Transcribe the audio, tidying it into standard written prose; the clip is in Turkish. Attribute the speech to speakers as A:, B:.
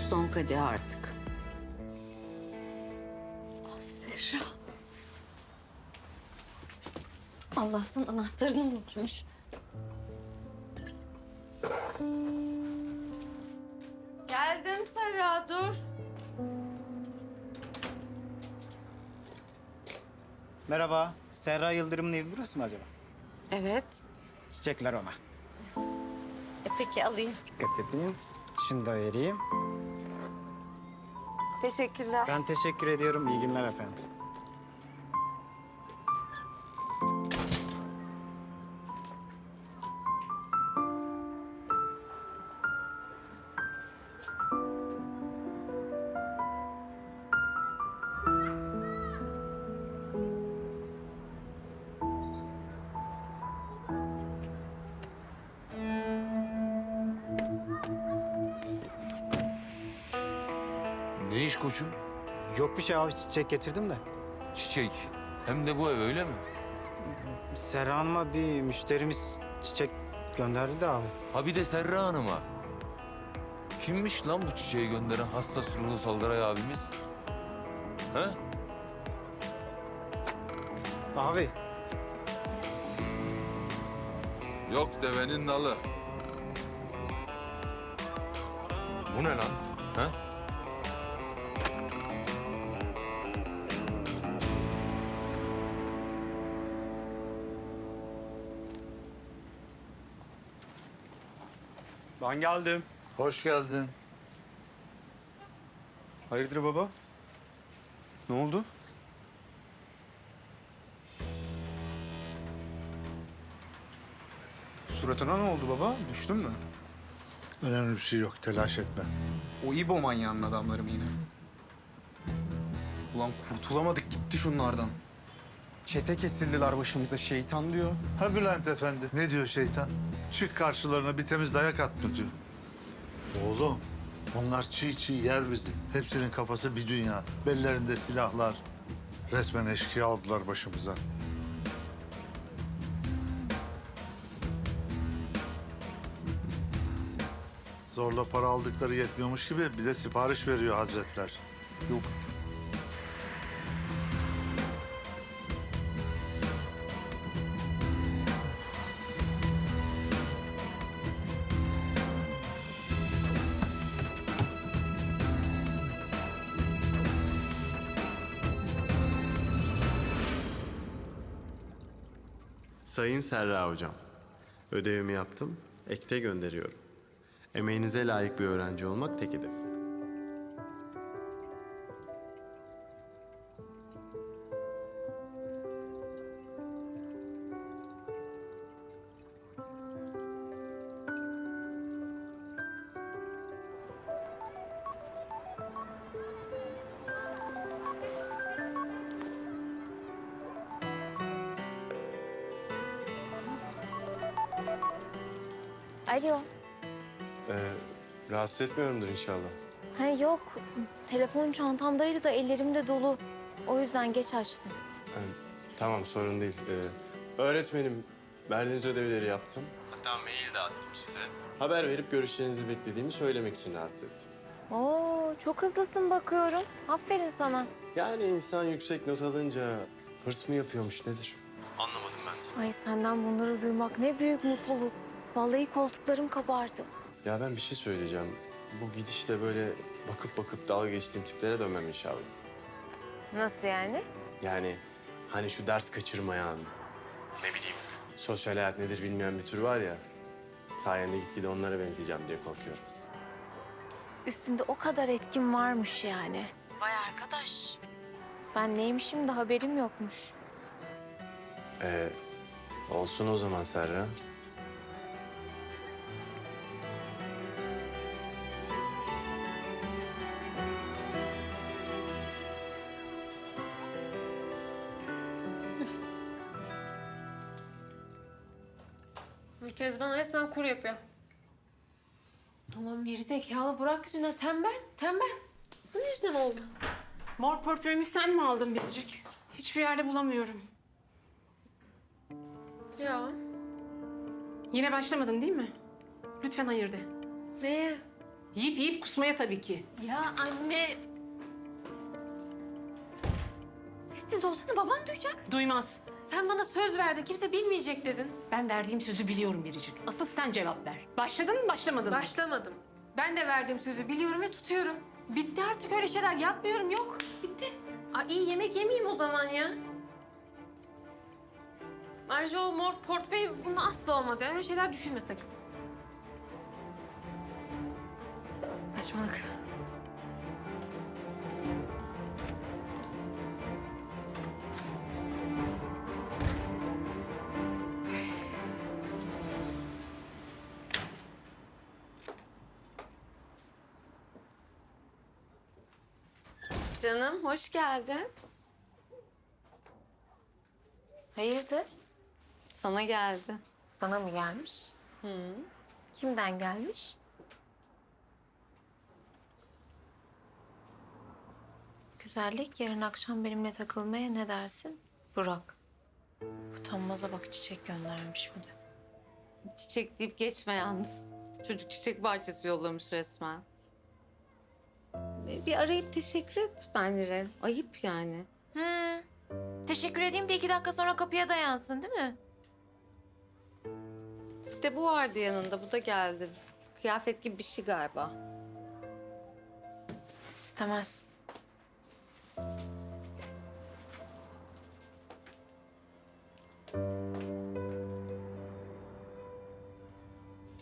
A: son kadeh artık.
B: Ah Serra. Allah'tan anahtarını unutmuş.
A: Geldim Serra, dur.
C: Merhaba, Serra Yıldırım'ın evi burası mı acaba?
B: Evet.
C: Çiçekler ona.
B: Peki alayım.
C: Dikkat edin. Şunu da vereyim.
B: Teşekkürler.
C: Ben teşekkür ediyorum. İyi günler efendim.
D: Ne iş koçum?
C: Yok bir şey abi, çiçek getirdim de.
D: Çiçek. Hem de bu ev öyle mi?
C: Serra Hanım'a bir müşterimiz çiçek gönderdi de abi.
D: Ha bir de Serra Hanım'a. Kimmiş lan bu çiçeği gönderen hassas ruhlu Salgaray abimiz? Ha?
C: Abi,
D: Yok devenin nalı. Bu ne lan? Ha?
E: Ben geldim.
F: Hoş geldin.
E: Hayırdır baba? Ne oldu? Suratına ne oldu baba? Düştün mü?
F: Önemli bir şey yok, telaş etme.
E: O İbo manyağının adamları mı yine? Ulan kurtulamadık gitti şunlardan. Çete kesildiler başımıza, şeytan diyor.
F: Ha Bülent Efendi, ne diyor şeytan? Çık karşılarına, bir temiz dayak at mı diyor. Oğlum, onlar çiğ çiğ yer bizi. Hepsinin kafası bir dünya. Bellerinde silahlar. Resmen eşkıya oldular başımıza. Zorla para aldıkları yetmiyormuş gibi bir de sipariş veriyor hazretler.
E: Yok.
G: Sayın Serra Hocam, ödevimi yaptım, ekte gönderiyorum. Emeğinize layık bir öğrenci olmak tek hedef.
B: Alo.
G: Rahatsız etmiyorumdur inşallah.
B: Ha yok. Telefon çantamdaydı da ellerimde dolu. O yüzden geç açtım.
G: Tamam, sorun değil. Öğretmenim, verdiğiniz ödevleri yaptım. Hatta mail de attım size. Haber verip görüşlerinizi beklediğimi söylemek için rahatsız ettim.
B: Oo, çok hızlısın bakıyorum. Aferin sana.
G: Yani insan yüksek not alınca hırs mı yapıyormuş nedir? Anlamadım ben de.
B: Ay senden bunları duymak ne büyük mutluluk. Vallahi koltuklarım kabardı.
G: Ya ben bir şey söyleyeceğim. Bu gidişle böyle bakıp bakıp dalga geçtiğim tiplere dönmem inşallah.
B: Nasıl yani?
G: Yani hani şu ders kaçırmayan, ne bileyim, sosyal hayat nedir bilmeyen bir tür var ya. Sayende gitgide onlara benzeyeceğim diye korkuyorum.
B: Üstünde o kadar etkin varmış yani. Vay arkadaş. Ben neymişim de haberim yokmuş.
G: Olsun o zaman Serra.
H: Kezban resmen kur yapıyor. Allah'ım gerizekalı Burak yüzünden tembel. Bu yüzden oldu. Mor portföyümü sen mi aldın Biricik? Hiçbir yerde bulamıyorum. Ya. Yine başlamadın değil mi? Lütfen hayır de. Neye? Yiyip yiyip kusmaya tabii ki.
B: Ya anne. Sessiz olsana, babam duyacak.
H: Duymaz. Sen bana söz verdin, kimse bilmeyecek dedin. Ben verdiğim sözü biliyorum Biricik. Asıl sen cevap ver. Başladın mı, başlamadın mı?
I: Başlamadım. Ben de verdiğim sözü biliyorum ve tutuyorum. Bitti artık, öyle şeyler yapmıyorum, yok. Bitti. Aa, iyi yemek yemeyeyim o zaman ya. Ayrıca o mor portföy bunun asla olmaz yani, öyle şeyler düşünme sakın. Saçmalık.
A: Canım hoş geldin.
B: Hayırdır?
A: Sana geldi.
B: Bana mı gelmiş?
A: Hı.
B: Kimden gelmiş? Güzellik, yarın akşam benimle takılmaya ne dersin? Burak. Utanmaza bak, çiçek göndermiş bir de.
A: Çiçek deyip geçme yalnız. Çocuk çiçek bahçesi yollamış resmen. Bir arayıp teşekkür et bence. Ayıp yani.
B: Teşekkür edeyim de 2 dakika sonra kapıya dayansın, değil mi?
A: Bir de bu vardı yanında. Bu da geldi. Kıyafet gibi bir şey galiba.
B: İstemez.